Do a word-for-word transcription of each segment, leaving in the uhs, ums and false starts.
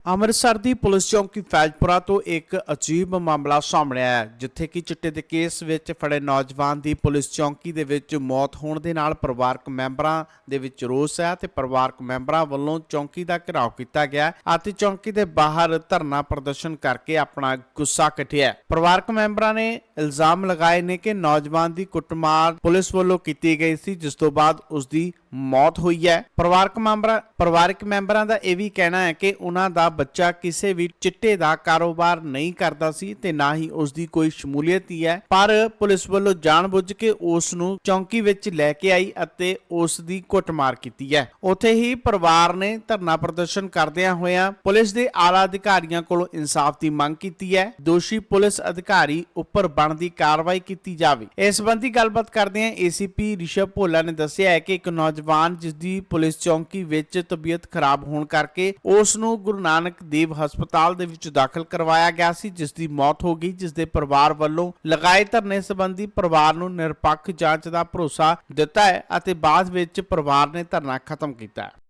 ਅੰਮ੍ਰਿਤਸਰ ਦੀ police ਚੌਂਕੀ ਫੈਜ਼ਪੁਰਾ ਤੋਂ ਇੱਕ ਅਜੀਬ ਮਾਮਲਾ ਸਾਹਮਣੇ ਆਇਆ ਜਿੱਥੇ ਕਿ ਚਿੱਟੇ ਦੇ ਕੇਸ ਵਿੱਚ ਫੜੇ ਨੌਜਵਾਨ ਦੀ ਪੁਲਿਸ ਚੌਂਕੀ ਦੇ ਵਿੱਚ ਮੌਤ ਹੋਣ ਦੇ ਨਾਲ ਪਰਿਵਾਰਕ ਮੈਂਬਰਾਂ ਦੇ ਵਿੱਚ ਰੋਸ ਹੈ ਤੇ ਪਰਿਵਾਰਕ ਮੈਂਬਰਾਂ ਵੱਲੋਂ ਚੌਂਕੀ ਦਾ ਘਿਰਾਓ ਕੀਤਾ ਗਿਆ ਅਤੇ ਚੌਂਕੀ ਦੇ ਬਾਹਰ ਧਰਨਾ ਪ੍ਰਦਰਸ਼ਨ ਕਰਕੇ ਆਪਣਾ ਗੁੱਸਾ ਕੱਢਿਆ। ਪਰਿਵਾਰਕ ਮੈਂਬਰਾਂ ਨੇ ਇਲਜ਼ਾਮ ਲਗਾਏ ਨੇ ਕਿ ਨੌਜਵਾਨ ਦੀ ਕੁੱਟਮਾਰ ਪੁਲਿਸ ਵੱਲੋਂ ਕੀਤੀ ਗਈ ਸੀ ਜਿਸ ਤੋਂ ਬਾਅਦ ਉਸ ਦੀ ਮੌਤ ਹੋਈ ਹੈ। ਪਰਿਵਾਰਕ ਮੈਂਬਰਾਂ ਪਰਿਵਾਰਕ ਮੈਂਬਰਾਂ ਦਾ ਇਹ ਵੀ ਕਹਿਣਾ ਹੈ ਕਿ ਉਹਨਾਂ ਦਾ ਬੱਚਾ ਕਿਸੇ ਵੀ ਚਿੱਟੇ ਦਾ ਕਾਰੋਬਾਰ ਨਹੀਂ ਕਰਦਾ ਸੀ ਤੇ ਨਾ ਹੀ ਉਸ ਦੀ ਕੋਈ ਸ਼ਮੂਲੀਅਤ ਹੀ ਹੈ, ਪਰ ਪੁਲਿਸ ਵੱਲੋਂ ਜਾਣਬੁੱਝ ਕੇ ਉਸ ਨੂੰ ਚੌਂਕੀ ਵਿੱਚ ਲੈ ਕੇ ਆਈ ਅਤੇ ਉਸ ਦੀ ਕੁੱਟਮਾਰ ਕੀਤੀ ਹੈ। ਉੱਥੇ ਹੀ ਪਰਿਵਾਰ ਨੇ ਧਰਨਾ ਪ੍ਰਦਰਸ਼ਨ ਕਰਦਿਆਂ ਹੋਇਆਂ ਪੁਲਿਸ ਦੇ ਆਲਾ ਅਧਿਕਾਰੀਆਂ ਕੋਲੋਂ ਇਨਸਾਫ ਦੀ ਮੰਗ ਕੀਤੀ ਹੈ। ਦੋਸ਼ੀ ਪੁਲਿਸ ਅਧਿਕਾਰੀ ਉੱਪਰ ਬਣਦੀ ਕਾਰਵਾਈ ਕੀਤੀ ਜਾਵੇ। ਇਸ ਸੰਬੰਧੀ ਗੱਲਬਾਤ ਕਰਦਿਆਂ ਏਸੀਪੀ ਰਿਸ਼ਵ ਭੋਲਾ ਨੇ ਦੱਸਿਆ ਹੈ ਕਿ ਇੱਕ ਨੌਜਵਾਨ ਜਿਸ ਦੀ ਪੁਲਿਸ ਚੌਂਕੀ ਵਿੱਚ ਤਬੀਅਤ ਖਰਾਬ ਹੋਣ ਕਰਕੇ ਉਸ ਨੂੰ ਗੁਰੂ ਨਾਨਕ ਦੇਵ ਹਸਪਤਾਲ ਦੇ ਵਿੱਚ ਦਾਖਲ ਕਰਵਾਇਆ ਗਿਆ ਸੀ ਜਿਸ ਦੀ ਮੌਤ ਹੋ ਗਈ, ਜਿਸ ਦੇ ਪਰਿਵਾਰ ਵੱਲੋਂ ਲਗਾਏ ਧਰਨੇ ਸੰਬੰਧੀ ਪਰਿਵਾਰ ਨੂੰ ਨਿਰਪੱਖ ਜਾਂਚ ਦਾ ਭਰੋਸਾ ਦਿੱਤਾ ਹੈ ਅਤੇ ਬਾਅਦ ਵਿੱਚ ਪਰਿਵਾਰ ਨੇ ਧਰਨਾ ਖਤਮ ਕੀਤਾ ਹੈ।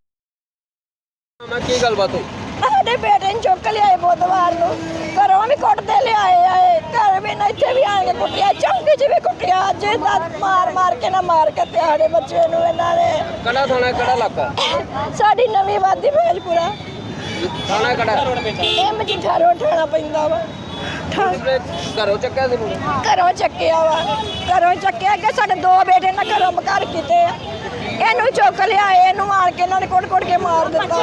ਕੀ ਗੱਲਬਾਤ ਹੋਈ? ਸਾਡੇ ਬੇਟੇ ਨੂੰ ਚੁੱਕ ਲਿਆਏ ਬੁੱਧਵਾਰ ਨੂੰ, ਘਰੋਂ ਵੀ ਕੁੱਟਦੇ ਲਿਆਏ ਆਏ, ਘਰ ਵੀ ਨਾ ਇੱਥੇ ਵੀ ਆ ਕੇ ਕੁੱਟਿਆ, ਚੌਂਕੀ 'ਚ ਵੀ ਕੁੱਟਿਆ, ਅੱਜ ਦਾ ਮਾਰ ਮਾਰ ਕੇ ਨਾ ਮਾਰ ਕੇ ਸਾਡੇ ਬੱਚੇ ਨੂੰ ਇਹਨਾਂ ਨੇ। ਕਿਹੜਾ ਥਾਣਾ ਕਿਹੜਾ ਇਲਾਕਾ? ਸਾਡੀ ਨਵੀਂ ਵਾਦੀ ਫੈਜ਼ਪੁਰਾ ਥਾਣਾ ਕਿਹੜਾ? ਇਹ ਮਜੀਠਾ ਰੋਡ ਠਾਣਾ ਪੈਂਦਾ ਵਾ। ਘਰੋਂ ਚੱਕਿਆ ਸੀ ਮੁੰਡੇ? ਘਰੋਂ ਚੱਕਿਆ ਵਾ, ਘਰੋਂ ਚੱਕਿਆ ਕਿ ਸਾਡੇ ਦੋ ਬੇਟੇ ਨਾ ਘਰੋਂ ਬਕਾਰ ਕੀਤੇ ਆ, ਇਹਨੂੰ ਚੁੱਕ ਲਿਆਏ, ਇਹਨੂੰ ਮਾਰ ਕੇ ਇਹਨਾਂ ਨੇ ਕੁੱਟ ਕੁੱਟ ਕੇ ਮਾਰ ਦਿੱਤਾ।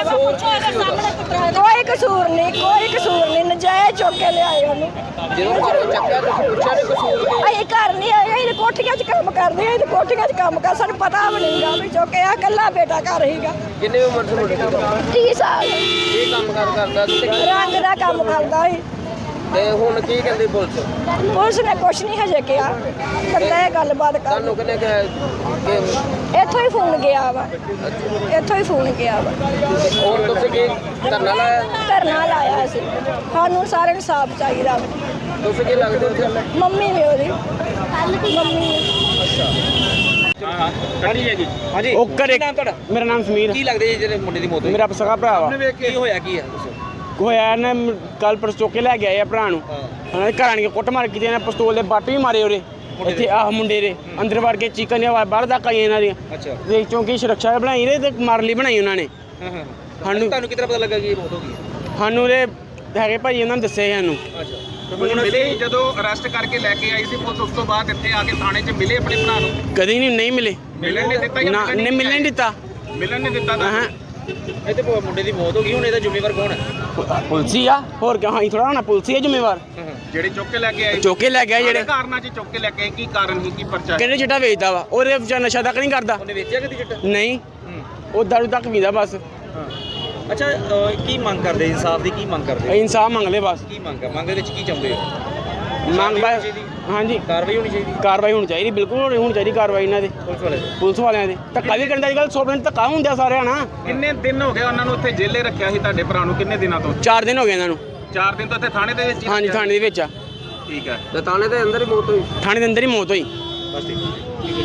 ਕੋਈ ਕਸੂਰ ਨਹੀਂ, ਕੋਈ ਕਸੂਰ ਨਹੀਂ, ਨਜਾਇਜ਼ ਚੁੱਕ ਕੇ ਲਿਆਏ ਉਹਨੂੰ। ਜਦੋਂ ਘਰੋਂ ਚੱਕਿਆ ਤੁਸੀਂ ਪੁੱਛਿਆ ਨਹੀਂ ਕਸੂਰ ਕੀ? ਅਸੀਂ ਘਰ ਨਹੀਂ ਆਏ, ਅਸੀਂ ਕੋਠੀਆਂ 'ਚ ਕੰਮ ਕਰਦੇ ਹਾਂ, ਅਸੀਂ ਕੋਠੀਆਂ 'ਚ ਕੰਮ ਕਰ, ਸਾਨੂੰ ਪਤਾ ਵੀ ਨਹੀਂਗਾ ਵੀ ਚੁੱਕਿਆ। ਇਕੱਲਾ ਬੇਟਾ ਘਰ ਹੀਗਾ। ਕਿੰਨੀ ਉਮਰ ਸੀ ਮੁੰਡੇ ਦੀ? ਤੀਹ ਸਾਲ। ਕੀ ਕੰਮ ਕਾਰ ਕਰਦਾ ਸੀ? ਰੰਗ ਦਾ ਕੰਮ ਕਰਦਾ ਸੀ। ਤੇ ਹੁਣ ਕੀ ਕਹਿੰਦੀ ਪੁਲਿਸ? ਪੁਲਿਸ ਨੇ ਕੁਛ ਨਹੀਂ ਹਜੇ ਕਿਹਾ, ਕਹਿੰਦਾ ਇਹ ਗੱਲਬਾਤ ਕਰ। ਤੁਹਾਨੂੰ ਕਿਹਨੇ ਕਿਹਾ ਕਿ ਇੱਥੋਂ ਹੀ ਫੋਨ ਗਿਆ ਵਾ, ਇੱਥੋਂ ਹੀ ਫੋਨ ਗਿਆ ਵਾ। ਹੋਰ ਤੁਸੀਂ ਕੀ ਧਰਨਾ ਲਾਇਆ? ਧਰਨਾ ਲਾਇਆ ਸੀ, ਸਾਨੂੰ ਸਾਰਿਆਂ ਨੂੰ ਸਾਫ਼ ਚਾਹੀਦਾ ਵਾ। ਤੁਸੀਂ ਕੀ ਲੱਗਦੇ ਉੱਥੇ? ਮੰਮੀ ਵੀ ਉਹਦੀ ਮੰਮੀ। ਹਾਂਜੀ ਹੈਗੀ। ਹਾਂਜੀ ਉਹ ਘਰੇ ਨਾਮ ਤੁਹਾਡਾ? ਮੇਰਾ ਨਾਮ ਸਮੀਰ। ਕੀ ਲੱਗਦੇ ਜੀ ਜਿਹੜੇ ਮੁੰਡੇ ਦੀ ਮੌਤ ਹੋਈ? ਮੇਰਾ ਸਗਾ ਭਰਾ ਵਾ। ਕੀ ਹੋਇਆ ਕੀ ਹੈ ਦੱਸੋ? ਹੋਇਆ ਨਾ ਕੱਲ ਪਰਸ ਚੁੱਕ ਕੇ ਲੈ ਕੇ ਆਏ ਆ ਭਰਾ ਨੂੰ। ਉਹਨਾਂ ਦੇ ਘਰਾਂ ਨੇ ਕੁੱਟ ਮਾਰ ਕੀਤੀ, ਇਹਨਾਂ ਪਿਸਤੌਲ ਦੇ ਬੱਟ ਵੀ ਮਾਰੇ ਉਹਦੇ ਇੱਥੇ ਆਹ ਮੁੰਡੇ ਦੇ ਅੰਦਰ ਵੜ ਕੇ ਚੀਕਾਂ ਦੀਆਂ ਬਾਹਰ ਤੱਕ ਆਈਆਂ ਇਹਨਾਂ ਦੀਆਂ। ਅੱਛਾ। ਤੇ ਚੌਂਕੀ ਸੁਰੱਖਿਆ ਬਣਾਈ ਰਹੇ ਤੇ ਮਾਰ ਲਈ ਬਣਾਈ ਉਹਨਾਂ ਨੇ। ਹਾਂ ਹਾਂ। ਸਾਨੂੰ ਤੁਹਾਨੂੰ ਕਿਤਨਾ ਪਤਾ ਲੱਗਾ ਕਿ ਇਹ ਮੌਤ ਹੋ ਗਈ? ਸਾਨੂੰ ਦੇ ਹੈਗੇ ਭਾਈ ਉਹਨਾਂ ਨੇ ਦੱਸਿਆ ਸਾਨੂੰ। ਅੱਛਾ। ਹੁਣ ਮਿਲੇ ਜਦੋਂ ਅਰੈਸਟ ਕਰਕੇ ਲੈ ਕੇ ਆਈ ਸੀ ਪੁਲਿਸ, ਉਸ ਤੋਂ ਬਾਅਦ ਇੱਥੇ ਆ ਕੇ ਥਾਣੇ 'ਚ ਮਿਲੇ ਆਪਣੇ ਭਰਾ ਨੂੰ? ਕਦੇ ਨਹੀਂ ਨਹੀਂ ਮਿਲੇ, ਮਿਲਣ ਨਹੀਂ ਦਿੱਤਾ? ਨਾ ਨਹੀਂ ਮਿਲਣ ਨਹੀਂ ਦਿੱਤਾ। ਮਿਲਣ ਨਹੀਂ ਦਿੱਤਾ ਤਾਂ ਹਾਂ ਇਹ ਤੇ ਮੁੰਡੇ ਦੀ ਮੌਤ ਹੋ ਗਈ, ਹੁਣ ਇਹਦਾ ਜ਼ਿੰਮੇਵਾਰ ਕੌਣ ਹੈ? ਪੁਲਸੀ ਆ, ਹੋਰ ਕਿਉਂ? ਅਸੀਂ ਥੋੜਾ ਹੋਣਾ ਪੁਲਸੀ ਹੈ ਜ਼ਿੰਮੇਵਾਰ। ਜਿਹੜੇ ਚੁੱਕ ਕੇ ਲੈ ਕੇ ਆਏ? ਚੁੱਕ ਕੇ ਲੈ ਗਿਆ ਜਿਹੜੇ ਕਾਰਨਾਂ 'ਚ ਚੁੱਕ ਕੇ ਲੈ ਕੇ ਆਏ, ਕੀ ਕਾਰਨ ਸੀ, ਕੀ ਪਰਚਾ? ਕਹਿੰਦੇ ਚਿੱਟਾ ਵੇਚਦਾ ਵਾ, ਉਹਦੇ ਵਿੱਚ ਨਸ਼ਾ ਤੱਕ ਨਹੀਂ ਕਰਦਾ। ਉਹਨੇ ਵੇਚਿਆ ਕਿਤੇ ਚਿੱਟਾ? ਨਹੀਂ, ਉਹ ਦਾਰੂ ਤੱਕ ਪੀਂਦਾ ਬਸ। ਅੱਛਾ, ਕੀ ਮੰਗ ਕਰਦੇ? ਇਨਸਾਫ ਦੀ ਕੀ ਮੰਗ ਕਰਦੇ? ਇਨਸਾਫ ਮੰਗ ਲੈ ਬਸ। ਕੀ ਮੰਗ ਹੈ? ਮੰਗ ਦੇ ਵਿੱਚ ਕੀ ਚਾਹੁੰਦੇ ਹੋ? ਮੰਗ ਬਸ ਹਾਂਜੀ ਕਾਰਵਾਈ ਹੋਣੀ ਚਾਹੀਦੀ? ਕਾਰਵਾਈ ਹੋਣੀ ਚਾਹੀਦੀ, ਬਿਲਕੁਲ ਹੋਣੀ ਚਾਹੀਦੀ ਕਾਰਵਾਈ ਇਹਨਾਂ ਦੇ ਪੁਲਿਸ ਵਾਲੇ ਪੁਲਿਸ ਵਾਲਿਆਂ ਦੇ। ਧੱਕਾ ਵੀ ਕਰਨ ਦਾ ਅੱਜ ਕੱਲ੍ਹ ਸੌ ਮਿੰਟ ਧੱਕਾ ਹੁੰਦਾ ਸਾਰਿਆਂ ਨਾਲ। ਕਿੰਨੇ ਦਿਨ ਹੋ ਗਏ ਉਹਨਾਂ ਨੂੰ ਉੱਥੇ ਜੇਲੇ ਰੱਖਿਆ ਸੀ ਤੁਹਾਡੇ ਭਰਾ ਨੂੰ? ਕਿੰਨੇ ਦਿਨਾਂ ਤੋਂ? ਚਾਰ ਦਿਨ ਹੋ ਗਏ ਇਹਨਾਂ ਨੂੰ। ਚਾਰ ਦਿਨ ਤੋਂ ਇੱਥੇ ਥਾਣੇ ਦੇ ਵਿੱਚ ਹੀ ਹਾਂਜੀ ਰੱਖਿਆ? ਥਾਣੇ ਦੇ ਵਿੱਚ ਆ। ਠੀਕ ਹੈ। ਤੇ ਥਾਣੇ ਦੇ ਅੰਦਰ ਹੀ ਮੌਤ ਹੋਈ? ਥਾਣੇ ਦੇ ਅੰਦਰ ਹੀ ਮੌਤ ਹੋਈ। ਬਸ ਠੀਕ ਹੈ।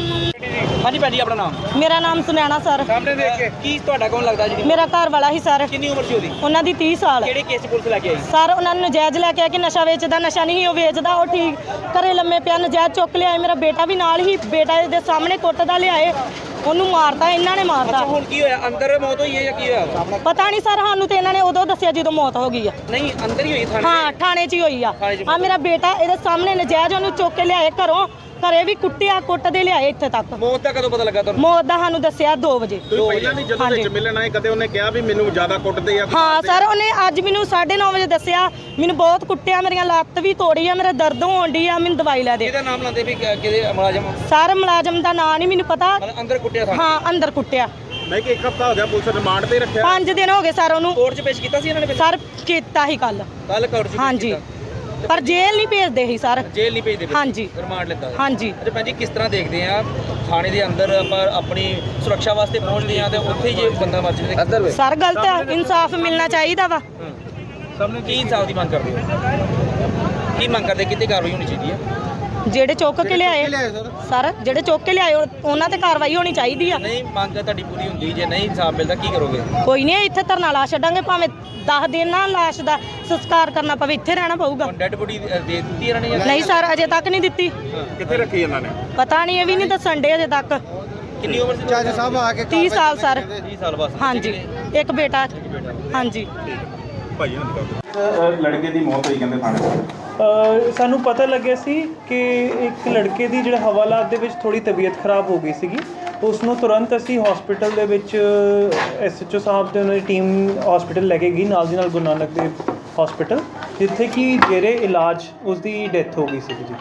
ਹਾਂਜੀ ਭੈਣ ਜੀ, ਆਪਣਾ ਨਾਮ? ਮੇਰਾ ਨਾਮ ਸੁਨੈਣਾ ਸਰ। ਸਾਹਮਣੇ ਦੇਖ ਕੇ ਕੀ ਤੁਹਾਡਾ ਕੌਣ ਲੱਗਦਾ ਜੀ? ਮੇਰਾ ਘਰ ਵਾਲਾ ਹੀ ਸਰ। ਕਿੰਨੀ ਉਮਰ ਸੀ ਉਹਦੀ? ਉਹਨਾਂ ਦੀ ਤੀਹ ਸਾਲ। ਕਿਹੜੇ ਕੇਸ 'ਚ ਪੁਲਿਸ ਲੈ ਕੇ ਆਈ? ਸਰ ਉਹਨਾਂ ਨੂੰ ਨਜਾਇਜ਼ ਲੈ ਕੇ ਆ ਕਿ ਨਸ਼ਾ ਵੇਚਦਾ, ਨਸ਼ਾ ਨਹੀਂ ਉਹ ਵੇਚਦਾ, ਉਹ ਠੀਕ ਘਰੇ ਲੰਮੇ ਪਿਆ, ਨਜਾਇਜ਼ ਚੁੱਕ ਲਿਆਏ। ਮੇਰਾ ਬੇਟਾ ਵੀ ਨਾਲ ਹੀ, ਬੇਟਾ ਦੇ ਸਾਹਮਣੇ ਕੁੱਟਦਾ ਲਿਆਏ, ਉਹਨੂੰ ਮਾਰਤਾ, ਇਹਨਾਂ ਨੇ ਮਾਰਤਾ। ਅੱਛਾ, ਹੁਣ ਕੀ ਹੋਇਆ? ਅੰਦਰ ਮੌਤ ਹੋਈ ਹੈ ਜਾਂ ਕੀ ਹੋਇਆ? ਪਤਾ ਨਹੀਂ ਸਰ, ਸਾਨੂੰ ਤੇ ਇਹਨਾਂ ਨੇ ਉਦੋਂ ਦੱਸਿਆ ਜਦੋਂ ਮੌਤ ਹੋ ਗਈ ਆ। ਨਹੀਂ, ਅੰਦਰ ਹੀ ਹੋਈ ਥਾਣੇ? ਹਾਂ, ਥਾਣੇ 'ਚ ਹੀ ਹੋਈ ਆ। ਥਾਣੇ 'ਚ ਆ ਮੇਰਾ ਬੇਟਾ ਇਹਦੇ ਸਾਹਮਣੇ ਨਜਾਇਜ਼ ਉਹਨੂੰ ਚੁੱਕ ਕੇ ਲਿਆਏ ਘਰੋਂ, ਘਰੇ ਵੀ ਕੁੱਟਿਆ, ਕੁੱਟਦੇ ਲਿਆਏ ਇੱਥੇ ਤੱਕ। ਮੌਤ ਦਾ ਕਦੋਂ ਪਤਾ ਲੱਗਾ ਤੁਹਾਨੂੰ? ਮੌਤ ਦਾ ਸਾਨੂੰ ਦੱਸਿਆ ਦੋ ਵਜੇ। ਤੁਸੀਂ ਪਹਿਲਾਂ ਵੀ ਜਦੋਂ ਵਿੱਚ ਮਿਲਣ ਆਏ ਕਦੇ ਉਹਨੇ ਕਿਹਾ ਵੀ ਮੈਨੂੰ ਜ਼ਿਆਦਾ ਕੁੱਟਦੇ ਆ? ਹਾਂ ਸਰ, ਉਹਨੇ ਅੱਜ ਮੈਨੂੰ ਸਾਢੇ ਨੌ ਵਜੇ ਦੱਸਿਆ, ਮੈਨੂੰ ਬਹੁਤ ਕੁੱਟਿਆ, ਮੇਰੀਆਂ ਲੱਤ ਵੀ ਤੋੜੀ ਆ, ਮੇਰਾ ਦਰਦ ਹੋਣ ਡਈ ਆ, ਮੈਨੂੰ ਦਵਾਈ ਲੈ ਦੇ। ਕਿਹਦਾ ਨਾਮ ਲਾਉਂਦੇ ਵੀ ਕਿਹਦੇ ਮੁਲਾਜ਼ਮ? ਸਰ ਮੁਲਾਜ਼ਮ ਦਾ ਨਾਂ ਨਹੀਂ ਮੈਨੂੰ ਪਤਾ। ਮਤਲਬ ਅੰਦਰ ਕੁੱਟਿਆ ਥਾਣੇ? ਹਾਂ, ਅੰਦਰ ਕੁੱਟਿਆ। ਨਹੀਂ ਕਿ ਇੱਕ ਹਫ਼ਤਾ ਹੋ ਗਿਆ ਪੁਲਿਸ ਰਿਮਾਂਡ ਤੇ ਰੱਖਿਆ? ਪੰਜ ਦਿਨ ਹੋ ਗਏ ਸਰ ਉਹਨੂੰ। ਕੋਰਟ 'ਚ ਪੇਸ਼ ਕੀਤਾ ਸੀ ਇਹਨਾਂ ਨੇ? ਸਰ ਕੀਤਾ ਹੀ ਕੱਲ। ਕੱਲ ਕੋਰਟ 'ਚ ਪੇਸ਼ ਹਾਂਜੀ, ਕੀਤਾ? ਪਰ ਜੇਲ੍ਹ ਨਹੀਂ ਭੇਜਦੇ ਸੀ ਸਰ। ਜੇਲ੍ਹ ਨਹੀਂ ਭੇਜਦੇ? ਹਾਂਜੀ। ਰਿਮਾਂਡ ਲੈਂਦਾ? ਹਾਂਜੀ। ਅੱਛਾ ਭੈਣ ਜੀ, ਕਿਸ ਤਰ੍ਹਾਂ ਦੇਖਦੇ ਆ ਥਾਣੇ ਦੇ ਅੰਦਰ ਆਪਾਂ ਆਪਣੀ ਸੁਰੱਖਿਆ ਵਾਸਤੇ ਪਹੁੰਚਦੇ ਆ ਤੇ ਉੱਥੇ ਹੀ ਜੇ ਬੰਦਾ ਮਰ ਜਾਵੇ? ਅੰਦਰ ਸਰ ਗਲਤ ਹੈ, ਇਨਸਾਫ ਮਿਲਣਾ ਚਾਹੀਦਾ ਵਾ। ਸਭ ਨੂੰ ਕੀ ਇਨਸਾਫ ਦੀ ਮੰਗ ਕਰਦੇ ਹੋ? ਕੀ ਮੰਗ ਕਰਦੇ? ਕਿਤੇ ਕਾਰਵਾਈ ਹੋਣੀ ਚਾਹੀਦੀ ਹੈ? ਜਿਹੜੇ ਚੁੱਕ ਕੇ ਲਿਆਏ ਸਰ ਜਿਹੜੇ ਚੁੱਕ ਕੇ ਲਿਆਏ ਉਹ- ਉਹਨਾਂ ਤੇ ਕਾਰਵਾਈ ਹੋਣੀ ਚਾਹੀਦੀ ਆ। ਨਹੀਂ ਮੰਗ ਤੁਹਾਡੀ ਪੂਰੀ ਹੁੰਦੀ ਜੇ ਨਹੀਂ ਇਨਸਾਫ ਮਿਲਦਾ ਕੀ ਕਰੋਗੇ? ਕੋਈ ਨਹੀਂ ਇੱਥੇ ਧਰਨਾ ਲਾ ਛੱਡਾਂਗੇ, ਭਾਵੇਂ ਦਸ ਦਿਨ ਨਾ ਲਾਸ਼ ਦਾ ਸੰਸਕਾਰ ਕਰਨਾ ਪਵੇ, ਇੱਥੇ ਰਹਿਣਾ ਪਊਗਾ। ਹੁਣ ਡੈਡ ਬੋਡੀ ਦੇ ਦਿੱਤੀ ਇਹਨਾਂ ਨੇ ਜਾਂ ਨਹੀਂ ਸਰ ਅਜੇ ਤੱਕ ਨਹੀਂ ਦਿੱਤੀ। ਕਿੱਥੇ ਰੱਖੀ ਇਹਨਾਂ ਨੇ? ਪਤਾ ਨਹੀਂ, ਇਹ ਵੀ ਨਹੀਂ ਦੱਸਣ ਡੇ ਅਜੇ ਤੱਕ। ਕਿੰਨੀ ਉਮਰ ਸੀ? ਜੱਜ ਸਾਹਿਬ ਆ ਕੇ ਤੀਹ ਸਾਲ ਸਰ। ਤੀਹ ਸਾਲ ਬਸ। ਹਾਂਜੀ ਇੱਕ ਬੇਟਾ। ਹਾਂਜੀ ਭਾਈ ਲੜਕੇ ਦੀ ਮੌਤ ਹੋਈ ਕਹਿੰਦੇ ਥਾਣੇ ਅ, ਸਾਨੂੰ ਪਤਾ ਲੱਗਿਆ ਸੀ ਕਿ ਇੱਕ ਲੜਕੇ ਦੀ ਜਿਹੜਾ ਹਵਾਲਾਤ ਦੇ ਵਿੱਚ ਥੋੜੀ ਤਬੀਅਤ ਖਰਾਬ ਹੋ ਗਈ ਸੀਗੀ। ਉਸ ਨੂੰ ਤੁਰੰਤ ਅਸੀਂ ਹਸਪੀਟਲ ਦੇ ਵਿੱਚ ਐਸ ਐਚ ਓ ਸਾਹਿਬ ਦੇ ਉਹਨਾਂ ਦੀ ਟੀਮ ਹਸਪੀਟਲ ਲੈ ਕੇ ਗਈ, ਨਾਲ ਦੀ ਨਾਲ ਗੁਰੂ ਨਾਨਕ ਦੇਵ ਹਸਪੀਟਲ, ਜਿੱਥੇ ਕਿ ਜੇਰੇ ਇਲਾਜ ਉਸ ਦੀ ਡੈਥ ਹੋ ਗਈ ਸੀ ਜੀ।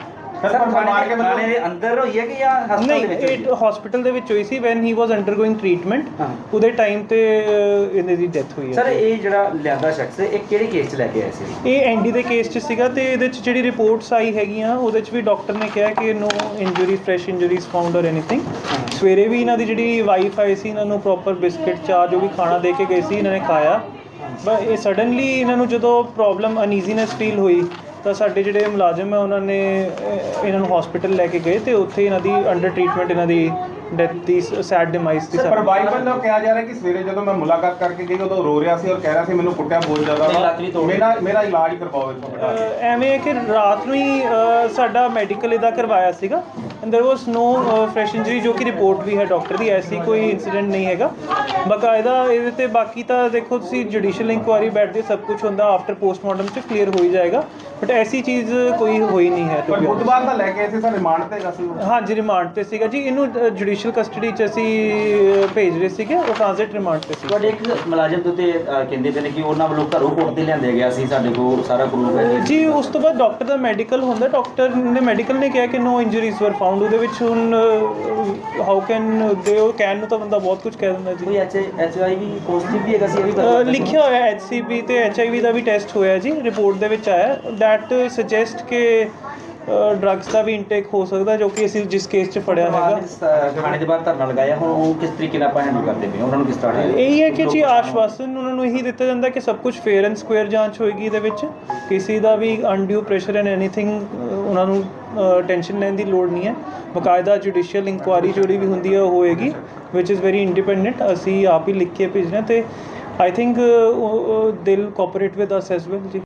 ਥਾਣੇ ਦੇ ਅੰਦਰ ਹੋਈ ਹੈ ਕਿ ਜਾਂ ਹਸਪਤਾਲ ਨਹੀਂ, ਦੇ ਵਿੱਚ? ਇਹ ਹਸਪੀਟਲ ਦੇ ਵਿੱਚ ਹੋਈ ਸੀ when he was undergoing treatment. ਉਹਦੇ ਟਾਈਮ ਤੇ ਅ, ਇਹਦੀ ਦੀ ਡੈਥ ਹੋਈ ਹੈ। ਸਰ ਇਹ ਜਿਹੜਾ ਲਿਆਂਦਾ ਸ਼ਖਸ ਇਹ ਕਿਹੜੇ ਕੇਸ 'ਚ ਲੈ ਕੇ ਆਏ ਸੀ? ਇਹ ਐਨਡੀ ਦੇ ਕੇਸ 'ਚ ਸੀਗਾ ਤੇ ਇਹਦੇ 'ਚ ਜਿਹੜੀ ਰਿਪੋਰਟਸ ਆਈ ਹੈਗੀਆਂ ਉਹਦੇ 'ਚ ਵੀ ਡਾਕਟਰ ਨੇ ਕਿਹਾ ਕਿ no injury fresh injuries found or anything. ਸਵੇਰੇ ਵੀ ਇਹਨਾਂ ਦੀ ਜਿਹੜੀ ਵਾਈਫ ਆਈ ਸੀ, ਇਹਨਾਂ ਨੂੰ ਪ੍ਰੋਪਰ ਬਿਸਕਿਟ ਚਾਹ ਜੋ ਵੀ ਖਾਣਾ ਦੇ ਕੇ ਗਏ ਸੀ, ਇਹਨਾਂ ਨੇ ਖਾਇਆ। ਬਟ ਇਹ ਸਡਨਲੀ ਇਹਨਾਂ ਨੂੰ ਜਦੋਂ ਪ੍ਰੋਬਲਮ ਅਨਈਜ਼ੀਨੈਸ ਫੀਲ ਹੋਈ ਤਾਂ ਸਾਡੇ ਜਿਹੜੇ ਮੁਲਾਜ਼ਮ ਹੈ ਉਹਨਾਂ ਨੇ ਅਹ, ਇਹਨਾਂ ਨੂੰ ਹਸਪੀਟਲ ਲੈ ਕੇ ਗਏ ਤੇ ਉੱਥੇ ਇਹਨਾਂ ਦੀ ਅੰਡਰ ਟ੍ਰੀਟਮੈਂਟ ਇਹਨਾਂ ਦੀ ਡੈਥ ਦੀ ਸੈਡ ਡਿਮਾਈਸ ਦੀ। ਪਰ ਬਾਈਬਲ ਨੂੰ ਕਿਹਾ ਜਾ ਰਿਹਾ ਕਿ ਸਵੇਰੇ ਜਦੋਂ ਮੈਂ ਮੁਲਾਕਾਤ ਕਰਕੇ ਗਈ ਉਦੋਂ ਰੋ ਰਿਹਾ ਸੀ ਔਰ ਕਹਿ ਰਿਹਾ ਸੀ ਮੈਨੂੰ ਕੁੱਟਿਆ ਬਹੁਤ ਜ਼ਿਆਦਾ ਵਾ, ਮੇਰਾ ਮੇਰਾ ਇਲਾਜ ਕਰਵਾਓ ਇੱਥੋਂ। ਅਹ, ਐਵੇਂ ਹੈ ਕਿ ਰਾਤ ਨੂੰ ਹੀ ਅਹ, ਸਾਡਾ ਮੈਡੀਕਲ ਇਹਦਾ ਕਰਵਾਇਆ ਸੀਗਾ and there was no fresh injury, ਜੋ ਕਿ ਰਿਪੋਰਟ ਵੀ ਹੈ ਡਾਕਟਰ ਦੀ, ਐਸੀ ਕੋਈ ਇਨਸੀਡੈਂਟ ਨਹੀਂ ਹੈਗਾ ਬਕਾਇਦਾ ਇਹਦੇ ਤੇ। ਬਾਕੀ ਤਾਂ ਦੇਖੋ ਤੁਸੀਂ ਜੁਡੀਸ਼ੀਅਲ ਇਨਕੁਆਇਰੀ ਬੈਠਦੀ, ਸਭ ਕੁਝ ਹੁੰਦਾ ਆਫਟਰ ਪੋਸਟਮਾਰਟਮ 'ਚ ਕਲੀਅਰ ਹੋ ਹੀ ਜਾਏਗਾ, ਬਟ ਐਸੀ ਚੀਜ਼ ਕੋਈ ਹੋਈ ਨਹੀਂ ਹੈ। ਪਰ ਬੁੱਧਵਾਰ ਦਾ ਲੈ ਕੇ ਆਏ ਸੀ ਸਰ, ਰਿਮਾਂਡ ਤੇ ਗਾ ਸੀ ਉਹ? ਹਾਂਜੀ ਰਿਮਾਂਡ ਤੇ ਸੀਗਾ ਜੀ। ਇਹਨੂੰ ਜੁਡੀਸ਼ੀਅਲ ਕਸਟਡੀ 'ਚ ਅਸੀਂ ਅਹ, ਭੇਜ ਰਹੇ ਸੀਗੇ, ਉਹ ਟ੍ਰਾਂਜ਼ਿਟ ਰਿਮਾਂਡ ਤੇ ਸੀ। ਤੁਹਾਡੇ ਇੱਕ ਮੁਲਾਜ਼ਮ ਦੇ ਉੱਤੇ ਅਹ, ਕਹਿੰਦੇ ਪਏ ਨੇ ਕਿ ਉਹਨਾਂ ਵੱਲੋਂ ਘਰੋਂ ਕੋਰਟ ਤੇ ਲਿਆਂਦੇ ਗਿਆ ਸੀ, ਸਾਡੇ ਕੋਲ ਸਾਰਾ ਪ੍ਰੂਫ ਹੈ ਜੀ। ਉਸ ਤੋਂ ਬਾਅਦ ਡਾਕਟਰ ਦਾ ਮੈਡੀਕਲ ਹੁੰਦਾ, ਡਾਕਟਰ ਨੇ ਮੈਡੀਕਲ ਨੇ ਕਿਹਾ ਕਿ ਨੋ ਇੰਜਰੀਜ਼ ਵਰ ਫਾਊਂਡ। ਉਹਦੇ ਵਿੱਚ ਹੁਣ ਹਾਊ ਕੈਨ ਦੇ ਉਹ ਕੈਨ ਨੂੰ ਤਾਂ ਬੰਦਾ ਬਹੁਤ ਕੁਝ ਕਹਿ ਦਿੰਦਾ ਜੀ। ਕੋਈ H H I V positive ਵੀ ਹੈਗਾ ਸੀ, ਇਹ ਵੀ ਅਹ, ਪਤਾ ਲਿਖਿਆ ਹੋਇਆ ਐਚ ਸੀ ਬੀ ਤੇ ਐਚ ਆਈ ਵੀ ਦਾ ਵੀ ਟੈਸਟ ਹੋਇਆ ਜੀ, ਰਿਪੋਰਟ ਦੇ ਵਿੱਚ ਆਇਆ ਦੈਟ ਸੁਜੈਸਟ ਕਿ ਡਰੱਗਸ ਦਾ ਵੀ ਇਨਟੇਕ ਹੋ ਸਕਦਾ, ਜੋ ਕਿ ਅਸੀਂ ਜਿਸ ਕੇਸ 'ਚ ਫੜਿਆ ਹੈਗਾ। ਥਾਣੇ ਦੇ ਬਾਹਰ ਧਰਨਾ ਲਗਾਇਆ, ਹੁਣ ਉਹ ਕਿਸ ਤਰੀਕੇ ਨਾਲ ਆਪਾਂ ਹੈਂਡਲ ਕਰਦੇ ਪਏ ਉਹਨਾਂ ਨੂੰ ਕਿਸ ਤਰ੍ਹਾਂ? ਇਹੀ ਹੈ ਕਿ ਜੀ ਆਸ਼ਵਾਸਨ ਉਹਨਾਂ ਨੂੰ ਇਹੀ ਦਿੱਤਾ ਜਾਂਦਾ ਕਿ ਸਭ ਕੁਝ ਫੇਅਰ ਐਂਡ ਸਕੁਅਰ ਜਾਂਚ ਹੋਏਗੀ। ਇਹਦੇ ਵਿੱਚ ਕਿਸੇ ਦਾ ਵੀ ਅਨਡਿਊ ਪ੍ਰੈਸ਼ਰ ਐਂਡ ਐਨੀਥਿੰਗ ਉਹਨਾਂ ਨੂੰ ਟੈਨਸ਼ਨ ਲੈਣ ਦੀ ਲੋੜ ਨਹੀਂ ਹੈ। ਬਕਾਇਦਾ ਜੁਡੀਸ਼ੀਅਲ ਇਨਕੁਆਇਰੀ ਜਿਹੜੀ ਵੀ ਹੁੰਦੀ ਹੈ ਉਹ ਹੋਏਗੀ, ਵਿਚ ਇਜ਼ ਵੈਰੀ ਇੰਡੀਪੈਂਡੈਂਟ। ਅਸੀਂ ਆਪ ਹੀ ਲਿਖ ਕੇ ਭੇਜਣਾ ਤੇ I think they'll cooperate with us as well ਜੀ।